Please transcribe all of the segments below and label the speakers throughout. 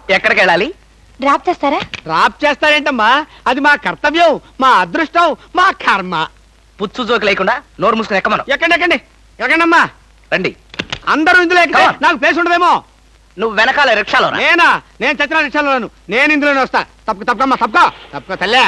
Speaker 1: ఎక్కడికి వెళ్ళాలి?
Speaker 2: డ్రాప్ చేస్తారా?
Speaker 3: డ్రాప్ చేస్తారేంటమ్మా, అది మా కర్తవ్యం, మా అదృష్టం, మా కర్మ.
Speaker 1: పుచ్చు జోకి లేకుండా నోరు మూసుకుని ఎక్కమను.
Speaker 3: ఎక్కండి ఎక్కండమ్మా.
Speaker 1: రండి.
Speaker 3: అందరూ ఇందులో ఎక్కితే నాకు ప్లేస్ ఉండదేమో.
Speaker 1: నువ్వు వెనకాల రిక్షాలో రా.
Speaker 3: నేను చచ్చిన రిక్షాలోను, నేను ఇందులోనే వస్తా. తప్పకమ్మా, తప్పుకో తల్లే.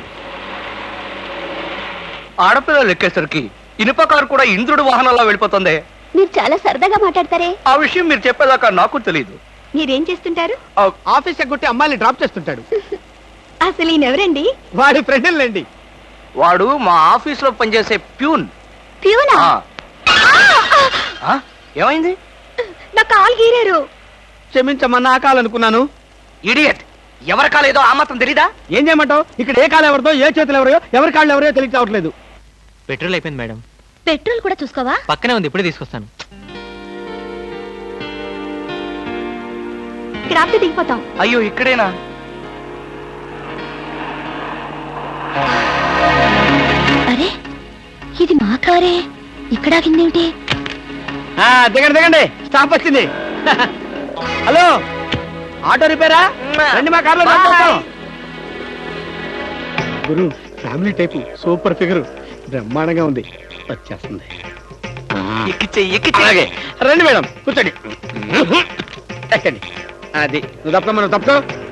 Speaker 1: ఆడపిల్లలు ఎక్కేసరికి ఇనుప కారు కూడా ఇంద్రుడు వాహనంలో వెళ్ళిపోతుంది.
Speaker 2: మీరు చాలా సరదాగా మాట్లాడతారే.
Speaker 1: ఆ విషయం మీరు చెప్పేదాకా నాకు తెలియదు.
Speaker 2: మీరేం చేస్తుంటారు?
Speaker 3: ఆఫీస్ ఎగ్గొట్టి అమ్మాయిని డ్రాప్ చేస్తుంటాడు.
Speaker 2: అసలు ఈయనెవరండి?
Speaker 3: వాడి ఫ్రెండ్లండి.
Speaker 1: వాడు మా ఆఫీస్ లో పనిచేసే ప్యూన్.
Speaker 2: ప్యూనా?
Speaker 1: ఏమైంది?
Speaker 2: నా కాలు గీరారు.
Speaker 3: క్షమించమ్మా, నా కాలనుకున్నాను.
Speaker 1: ఇడియట్, ఎవరి కాలేదో ఆ మాత్రం తెలీదా?
Speaker 3: ఏం చేయమంటావు? ఇక్కడ ఏ కాలు ఎవరిదో, ఏ చేతులు ఎవరో, ఎవరి కాళ్ళు ఎవరో తెలియక రావట్లేదు.
Speaker 4: పెట్రోల్ అయిపోయింది మేడం.
Speaker 2: పెట్రోల్ కూడా చూసుకోవా?
Speaker 4: పక్కనే ఉంది, ఇప్పుడే తీసుకొస్తాను.
Speaker 2: ఇక్కడ ఆపితే దిగిపోతాం.
Speaker 1: అయ్యో, ఇక్కడేనా?
Speaker 2: అరే, ఇది మా కారే. ఇక్కడ ఆగిందేమిటి?
Speaker 3: దిగండి, స్టాప్ వచ్చింది. హలో, ఆటో రిపేరా? రండి, మా కార్లో డ్రాప్ చేస్తాం. గురు, ఫ్యామిలీ టైపు, సూపర్ ఫిగర్, బ్రహ్మాండంగా ఉంది. వచ్చేస్తుంది. అలాగే రండి మేడం, కూర్చోండి. ఎక్కండి. అది నువ్వు తప్ప, మనం తప్పుకో.